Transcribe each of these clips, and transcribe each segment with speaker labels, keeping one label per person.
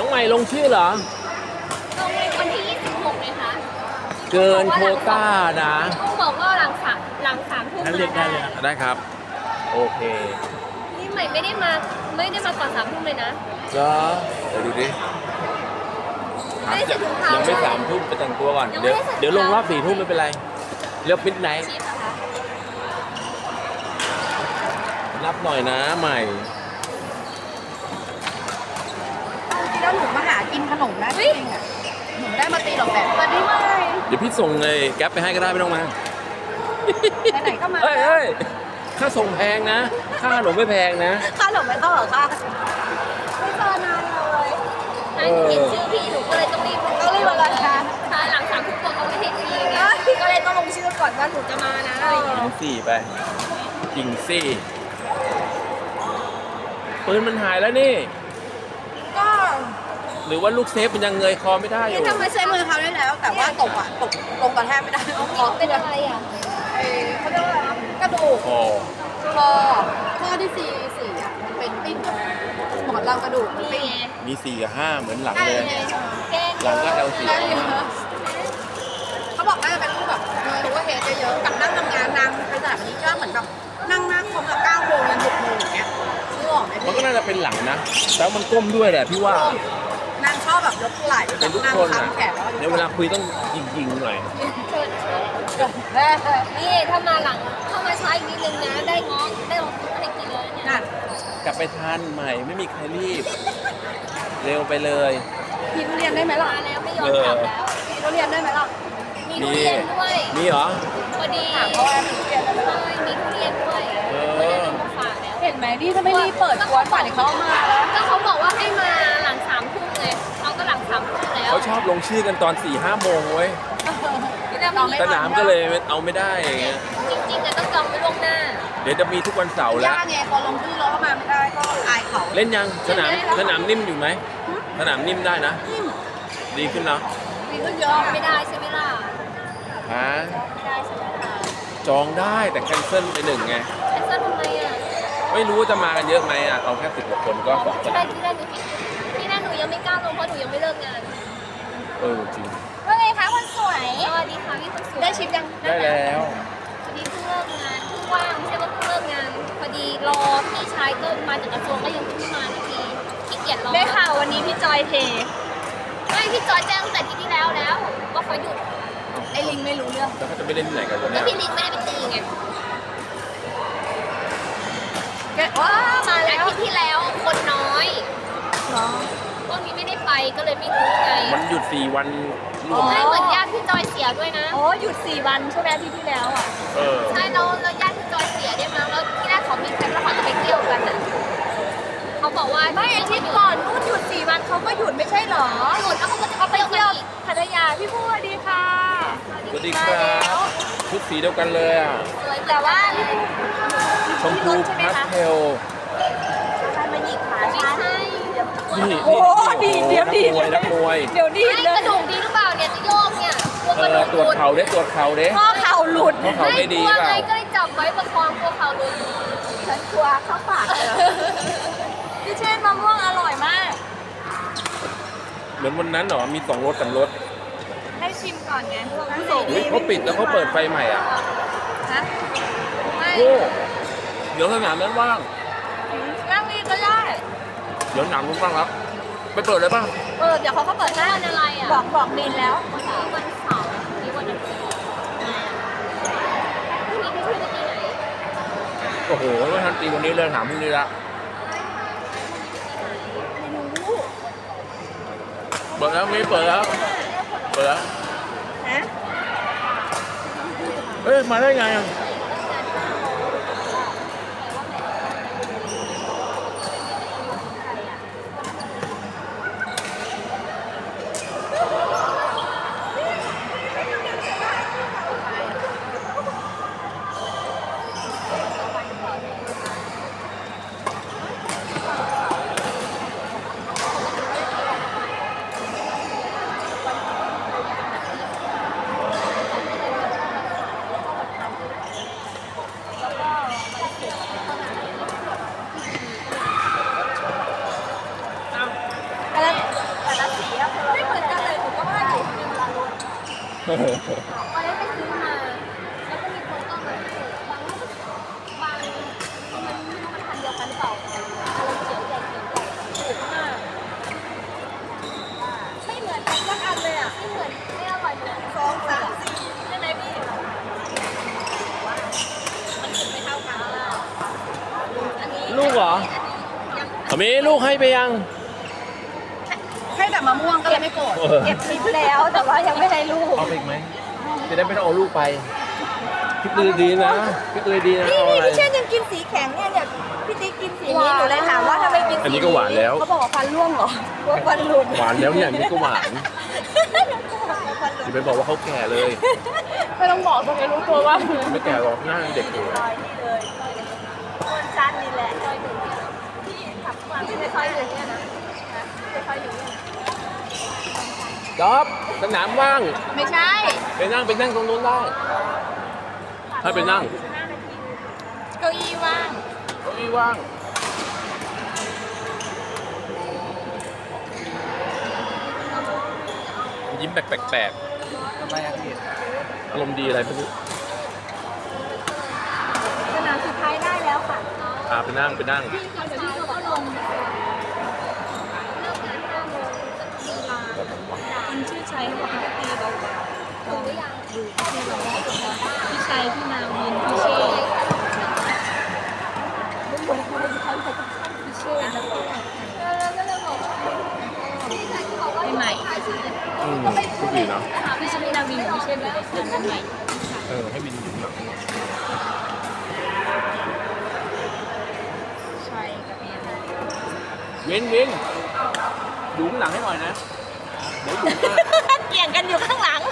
Speaker 1: ใหม่ลงชื่อเหรอ
Speaker 2: ลงในวันที่26เลยคะ
Speaker 1: เกินโควต้านะ
Speaker 2: ต้องบอกว่าหลัง 3 ทุ่ม
Speaker 1: งั้นเรียกได้เลยได้ครับโอเค
Speaker 2: นี่ใหม่ไม่ได้มาก่อน3 ทุ่มเลยนะ
Speaker 1: เหรอเดี๋ยวดูดิ
Speaker 2: ไม่ได้ใส่ถุงเท้า
Speaker 1: ยังไม่3 ทุ่มไปแต่งตัวก่อนเดี๋ยวลงรอบ4 ทุ่มไม่เป็นไรเรียกมิดไนท์รับหน่อยนะใหม่
Speaker 3: แล้วหนูมาหากินขนมนะจริงๆอ่ะหนูได้มาตีหรอกแต่สวัสดีไหม
Speaker 1: เดี๋ยวพี่ส่งเลยแก๊ปไปให้ก็ได้ไม่ต้องมา
Speaker 3: ไหนๆก็มา
Speaker 1: เฮ้ยค่าส่งแพงนะค่าขนมไม่แพงนะ
Speaker 3: ค่าขนมไม่ต้องหรอคะไม่เจอนานเลย
Speaker 2: เห็นชื่อพี่หนูก็เลยต้องรีบ
Speaker 3: มาเลยค่ะ
Speaker 2: หลัง3 ทุ่มเขาไม่ให้ฟรีไงก็เลยต้องลงชื่อก่อนว่าหนูจะมานะอะไรอย่างเงี้ย
Speaker 1: สี่ไปจริงสิปืนมันหายแล้วนี่
Speaker 3: ก็
Speaker 1: หรือว่าลูกเซฟมันยังเงยคอไม่ได้อยู่
Speaker 3: ทำไมใช้มือเขาได้แล้วแต่ว่าตกลงกระแทกไม่ได้
Speaker 2: คอเป็นอะไรอ่ะ
Speaker 3: เขาเรียกว่ากระดูกข้อที่4อ่ะมันเป็นปิ้นหมอนรองกระดูกปิ้น
Speaker 1: มี4 กับ 5เหมือนหลังเลยหลังก็ L4
Speaker 3: เขาบอกว่าเป็นพวกแบบมีหัวเฮดเยอะๆกับนั่งทำงานนางไปแบบนี้ก็เหมือนแบบนั่งคอมละ9 โมงยัน6 โมงอย่างเงี้ย
Speaker 1: มันก็น่าจะเป็นหลังนะแต่มันก้มด้วยแหละพี่ว่
Speaker 3: านางชอบแบบยกไหล่
Speaker 1: เป็นทุกคนอ่ะในเวลาคุยต้องยิงหน่อย
Speaker 2: นี่ถ้ามาช้าอีกนิดนึงนะได้ลองอะไรกินเลยเนี่ย
Speaker 1: กลับไปทานใหม่ไม่มีใครรีบเร็วไปเลย
Speaker 3: มีทุเรียนได้ไหมล่ะ
Speaker 2: แล้วไม่ยอมกลับแล้ว
Speaker 3: มีทุเรียนได้ไหมล่ะ
Speaker 2: มีทุเรียนด้วย
Speaker 1: มีเหรอ
Speaker 2: พอดีถามเขาว่ามีทุเรียนมีทุเรียนด้วย
Speaker 3: เห็นไหมนี่ถ้าไม่รีบเปิดกวนป่านเขามาแล้ว
Speaker 2: ก็เขาบอกว่าให้มาหลัง3 ทุ่มเลยเราก็หลัง3 ทุ่มแล้ว
Speaker 1: เขาชอบลงชื่อกันตอน4-5 โมงเว้ยสนามก็เลยเอาไม่ได้อย่างเงี้ย
Speaker 2: จริงๆต้องจองไว้ล่วงหน้า
Speaker 1: เดี๋ยวจะมีทุกวันเสาร์แล้ว
Speaker 3: ไงพอลงชื่อแล้วเข้ามาไม่ได้ก็อายเขา
Speaker 1: เล่นยังสนามนิ่มอยู่ไหมสนามนิ่มได้นะดีขึ้นเนาะ
Speaker 3: ดีขึ้นเยอะ
Speaker 2: ไม่ได้ใช่ไหมล่ะ
Speaker 1: ฮะ
Speaker 2: ไม่ได้ใช่ไหมล่ะ
Speaker 1: จองได้แต่แคนเซิลไป1ไง
Speaker 2: แคนเซิลทำไมอ่ะ
Speaker 1: ไม่รู้จะมากันเยอะไหมอ่ะเอาแค่10 กว่าคนก็
Speaker 2: ที่แรกหนูยังไม่กล้าลงเพราะหนูยังไม่เลิกงาน
Speaker 1: จริง
Speaker 3: ว่าไงคะคนสวย
Speaker 2: สวัสดีค่ะพี่คนสวย
Speaker 3: ได้ชิมยัง
Speaker 1: ได้แล้ว
Speaker 2: พอดีเพิ่งเลิกงานเพิ่งว่างไม่ใช่ว่าเพิ่งเลิกงานพอดีรอพี่ชายก็มาจากกระทรวงก็ยังไม่มาทีขี้เกียจรอ
Speaker 3: ได้ข่าววันนี้พี่จอยเท
Speaker 2: ไม่พี่จอยแจ้งตั้งแต่ที่แล้วว่าเขาหยุด
Speaker 3: ไอ้ลิงไม่รู้เรื่อง
Speaker 1: แล้วเขาจะไปเล่นที่ไหนกันวันนี้
Speaker 2: แล้วพี่ลิงไม่ได้ไปตีไง
Speaker 3: ว้ามาแล้ว
Speaker 2: อาทิตย์ที่แล้วคนน้อยพวกนี้ไม่ได้ไปก็เลยไม่รู้ไง
Speaker 1: มันหยุด4 วัน
Speaker 2: รวมเหมือนญาติพี่จอยเสียด้วยนะ
Speaker 3: หยุด4 วันใช่ไหมอาทิตย์ที่แล้วอ่ะ
Speaker 2: ใช่แล้วญาติพี่จอยเสียได้มั้งแล้วที่แรกเขามีแผนว่าเขาจะไปเที่ยวกันน่ะเขาบอกว่า
Speaker 3: ไม่อาทิตย์ก่อนนู่นหยุด4 วันเขาก็หยุดไม่ใช่หรอ
Speaker 2: หยุดแล้วเขาก็จะไปเที่ยว
Speaker 3: พัทยาพี่พูดดีค่ะ
Speaker 1: สวัสดีครับชุดสีเดียวกันเลยอ่ะ
Speaker 3: แต่ว่า
Speaker 1: ชมพูพาสเทล
Speaker 3: ใครมาหยิกขา
Speaker 2: ไม่ใช่
Speaker 1: นี่
Speaker 3: โอ้ดีเดี๋ยวดี
Speaker 1: นักมวย
Speaker 3: เดี๋ยวดี
Speaker 2: เลยกระดูกดีหรือเปล่าเนี่ยจะโยกเนี่ย
Speaker 1: ตรวจเข่าด้
Speaker 3: ข้อเข่าหลุด
Speaker 1: ข้อเข่าไม่ดีเปล่า
Speaker 2: ก็เลยจับไว้ประคองตัวเข่าหลุด
Speaker 3: ฉันกลัวเข้าปากพี่เช่นมะม่วงอร่อยมาก
Speaker 1: เหมือนวันนั้นเหรอมี2 รส3 รส
Speaker 3: ให้ชิมก่อนไง
Speaker 1: เขาปิดแล้วเขาเปิดไฟใหม่อ่ะ
Speaker 3: ฮะ
Speaker 1: โอ้เดี๋ยวสนามนั้นว่าง
Speaker 3: นั่งนี่ก็ได้
Speaker 1: เดี๋ยวหนังรู้บ้างครับไปเปิดเลยป่ะ
Speaker 3: เดี๋ยวเขาก็เปิดได้
Speaker 2: อะไรอ่ะ
Speaker 3: บอกดินแล้ว
Speaker 2: วันเสาร์นี่วันอาทิตย์พี่ไปที่ไหน
Speaker 1: โอ้โหไม่ทันตีวันนี้เลยถามพรุ่งนี้ละเปิดแล้วไม่เปิดแล้วเฮ้ยมาได้ไงอ่ะ
Speaker 3: ละสีอะไม่เหมือนกันเลยหนูก็ว่าอยู่ในเวลารถ
Speaker 2: ตอนแรกไปซื้อมา แล้วก็มีคนก็มาให้บางมันไม่รู้มันพันเดียวกันหรือเปล่าอะไรเขียวใหญ่ถูกมากไม่เหมือนกันสักอันเลยอ่ะไม่เหมือนไม่อร่อยเลย
Speaker 3: 2 3 4ใช่ไหมพี่มันถึงไม่เท่ากันอันนี้
Speaker 1: ลูกเหรอมีลูกให้ไปยัง
Speaker 3: ให้แต่มะม่วงก็เลยไม่โกรธ
Speaker 2: เก็บคลิปแล้วแต่ว่ายังไม่ได้ลูก
Speaker 1: เอาไปอีกไหมจะได้ไม่ต้องเอาลูกไปพี่ตือดีนะพี่ตือดีนะ
Speaker 3: นี่
Speaker 1: เอา
Speaker 3: นี่
Speaker 1: อะไร
Speaker 3: พี่เช่นยังกินสีแข็งเนี่ยพี่ติ๊กกินสีนี้หนูเลยถามว่าทำไมกินสี
Speaker 1: อันนี้ก็หวานแล้ว
Speaker 3: เขาบอกว่าฟันร่วงเหรอว่าฟันหลุด
Speaker 1: หวานแล้วเนี่ยอันนี้ก็หวานอย่าไปบอกว่าเขาแก่เลย
Speaker 3: ไม่ต้องบอกตัวเองรู้ตัวว่า
Speaker 1: ไม่แก่หรอกหน้ายังเด็กอยู่
Speaker 3: ซอยนี่เลยคนจันนี่แหละซอยหนึ่งเนี่ยพี่ขับมาที่ในซอยหนึ่งเนี่ยนะในซอยหนึ่งเนี่ย
Speaker 1: จ๊อบสนามว่าง
Speaker 3: ไม่ใช่
Speaker 1: ไปนั่งตรงนู้นได้ถ้าไปนั่ง
Speaker 3: เก้าอี้ว่าง
Speaker 1: เก้าอี้ว่างยิ้มแปลกๆอารมณ์ดีอะไรไม่รู้
Speaker 3: สนามสุดท้ายได้แล้วค่ะ
Speaker 1: ไปนั่ง
Speaker 2: พี่เขาเดี๋ยวพี่เขาก็ลงเลิกงาน5 โมงจะตีมา
Speaker 3: คนชื่อชัยเขาบอกเขาตีเรา
Speaker 2: ถูกหรือยัง
Speaker 3: พี่ชัยพี่นาวินพี่เชษพี่เชษแล้วก็
Speaker 2: ก็เลยบอกว่าพี่ชายเขาก็
Speaker 3: ใหม่
Speaker 1: พูดดีนะ
Speaker 3: พี่ชัยพี่นาวินกับพี่เชษอยู่ในเสียงกันใหม่
Speaker 1: ให้บินอยู่หลัง
Speaker 3: ชัยกับเอ็น
Speaker 1: วินดูข้างหลังให้หน่อยนะเดี๋ยวอยู่หน้า
Speaker 3: เกี่ยงกันอยู่ข้างหลัง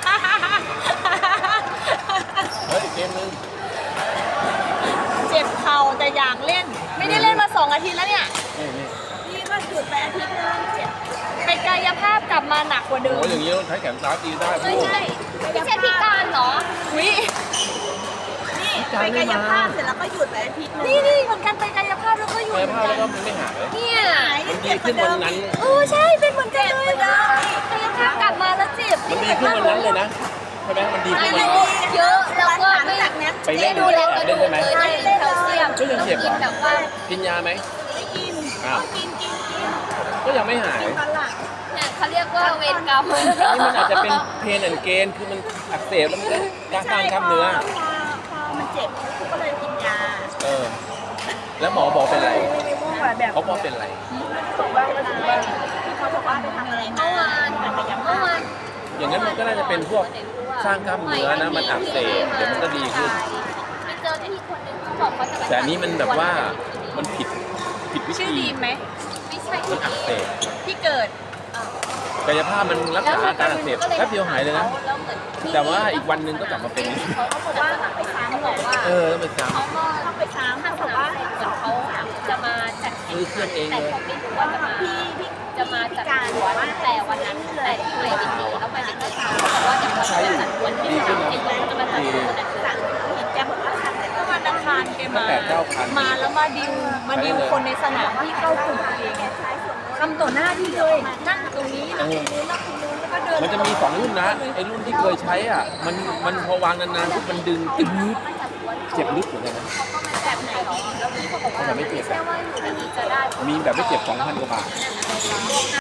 Speaker 1: เฮ้ยเกมนึง
Speaker 3: เจ็บเข่าแต่อยากเล่น ไม่ได้เล่นมา2 อาทิตย์แล้วเนี่ย
Speaker 1: นี่
Speaker 3: นี่ก็หยุดไปอาทิตย์นึงเจ็บไปกายภาพกลับมาหนักกว่าเดิ
Speaker 1: โอ้
Speaker 3: ม
Speaker 1: ยอย่างนี้ต้องใช้แขนซ้ายตีได้
Speaker 3: ไม่ใช่
Speaker 2: ไม่ใช่พิการเหรอ
Speaker 3: วินี่ไปกายภาพเสร็จแล้วก็หยุดไปอาทิตย์นึงนี่เหมือนกันไปกายภาพแล้วก็หยุด
Speaker 1: กายภาพแล้วก็มันไม่หาย
Speaker 2: เนี่ย
Speaker 1: มันดีขึ้นวันนั้น
Speaker 3: ใช่เป็นเหมือนกันเลยนะ
Speaker 2: กายภาพกลับมาแล้วเจ็บ
Speaker 1: มันดีขึ้นวันนั้นเลยนะใช่ไหมมันดีขึ้นวันนั้น
Speaker 2: เยอะแล้วก็ไม่
Speaker 3: จากนั้น
Speaker 1: ไปเล่น
Speaker 2: ดูแลกระดูก
Speaker 1: ใช่ไหม
Speaker 2: เลยได้แคลเซียม
Speaker 1: ก็ยังเจ็บเหรอ
Speaker 2: ต้องกินแบบว่า
Speaker 1: กินยาไหม
Speaker 3: ไม่กิน
Speaker 1: อ้าว
Speaker 3: กิน
Speaker 1: ก็ยังไม่หาย
Speaker 3: ตอนหลัง
Speaker 2: เนี่ยเขาเรียกว่าเวรกรรม
Speaker 1: นี่มันอาจจะเป็นเพนแอนเกนคือมันอักเสบแล้วมันก็การสร้างกล้ามเนื้อ
Speaker 3: พอมันเจ็บก็เลยกินยา
Speaker 1: แล้วหมอบอกเป็นไร
Speaker 3: ไม่ม่วงแบบ
Speaker 1: เขาบอกเป็นไร
Speaker 3: บอกว่าเขาบอกว่าไปทำอะไร
Speaker 2: เมื่อวาน
Speaker 1: อย่างนั้นมันก็น่าจะเป็นพวกสร้างกล้ามเนื้อนะมันอักเสบเดี๋ยวมันก็ดีขึ้น
Speaker 2: ไปเจอที่คนหนึงเขาบอกเขาจะไป
Speaker 1: แต่อันนี้มันแบบว่ามันผิดวิ
Speaker 3: ชื่อ
Speaker 1: ธี
Speaker 3: ดีมไหม
Speaker 2: ไม่ใช่
Speaker 1: มันอักเสบ
Speaker 3: ที่เกิด
Speaker 1: กายภาพมันรักษาอาการอักเสบแป๊บเดียวหายเลยนะ
Speaker 2: แล้วเหมือน
Speaker 1: แต่ว่าอีกวันหนึงก็กลับมาเป็น
Speaker 2: เขาก็บอกว่าไปซ้ำบอกว่า
Speaker 1: ต้องไปซ้
Speaker 2: เขาก็ต้องไปซ้ำถ้าสมมติว่าเหมือนเขาจะมาจัด
Speaker 1: ำซื้อเครื่องเอง
Speaker 2: แต่
Speaker 1: เลย
Speaker 2: เขาไม่รู้ว่าจะมาจัดหัวตั้งแต่วันนั้นแต่ที่ไปไม่ดีแล้วไปไม่ได้ซ้ำเขาบอกว่าเดี๋ยวเขาจะจัดวันที่3เองเขาจะมาจัดวันนั้นสั่งเห็นแกบอกว่าสั่งแต่ก็วันอังคารแกมา มาแล้วมาดิวคนในสนามที่เข้ากลุ่มเองทำต่อหน้าที่เลยนั่งตรงนี้นั่งตรงนู้นนั่งตรงนู้นแล้วก็เดิน
Speaker 1: มันจะมี2รุ่นนะไอ้รุ่นที่เคยใช้อ่ะมันพอวางนานๆปุ๊บมันดึงตึ๊ดเจ็บลึกเหมือนกันนะ
Speaker 2: แบบไหนหรอแล้วพี่เขาบอกว่า
Speaker 1: แต่ไม่เจ็บ
Speaker 2: แค่ว่าอยู่ดีๆจะได้
Speaker 1: มีแบบไม่เจ็บ 2,000 กว่าบาท